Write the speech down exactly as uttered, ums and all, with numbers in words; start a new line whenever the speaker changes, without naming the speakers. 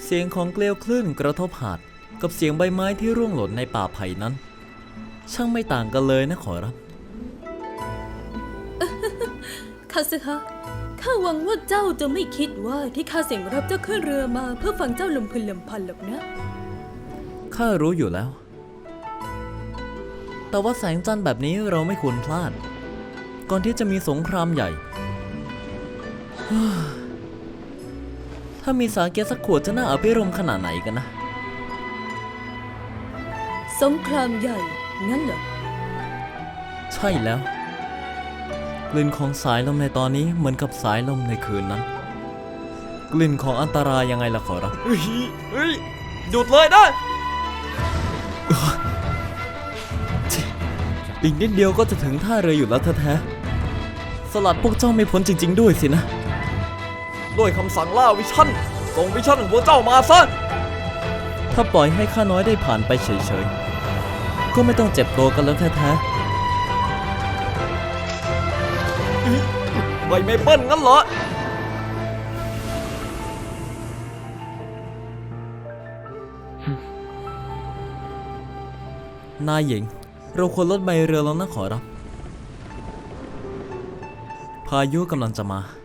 เสียงของเกลียวคลื่นกระทบหาดกับเสียงใบไม้ที่ร่วงหล่นในป่าไผ่นั้นช่างไม่ต่างกันเลยนะขอรับ
คาซึฮะข้าหวังว่าเจ้าจะไม่คิดว่าที่ข้าเสียงรับเจ้าขึ้นเรือมาเพื่อฟังเจ้าลำพึงลำพันหรอกนะ
ข้ารู้อยู่แล้วแต่ว่าแสงจันทร์แบบนี้เราไม่ควรพลาดก่อนที่จะมีสงครามใหญ่ ถ้ามีสาเกสักขวดจะน่าอภิรมย์ขนาดไหนกันนะ
สงครามใหญ่งั้นเหรอ
ใช่แล้วกลิ่นของสายลมในตอนนี้เหมือนกับสายลมในคืนนั้นกลิ่นของอันตรายยังไงล่ะขอรับเฮ้ยเฮ้ยหยุดเลยนะอีกนิดเดียวก็จะถึงท่าเรืออยู่แล้วแท้ๆสลัดพวกเจ้าไม่พ้นจริงๆด้วยสินะด้วยคำสั่งล่าวิชั่นส่งวิชั่นของพวกเจ้ามาซะถ้าปล่อยให้ข้าน้อยได้ผ่านไปเฉยๆก็ไม่ต้องเจ็บตัวกันแล้วแท้ๆไม่ไม่เปิ้ลงั้นเหรอนายหญิงเราควรลดใบเรือแล้วนะขอรับพายุกำลังจะมา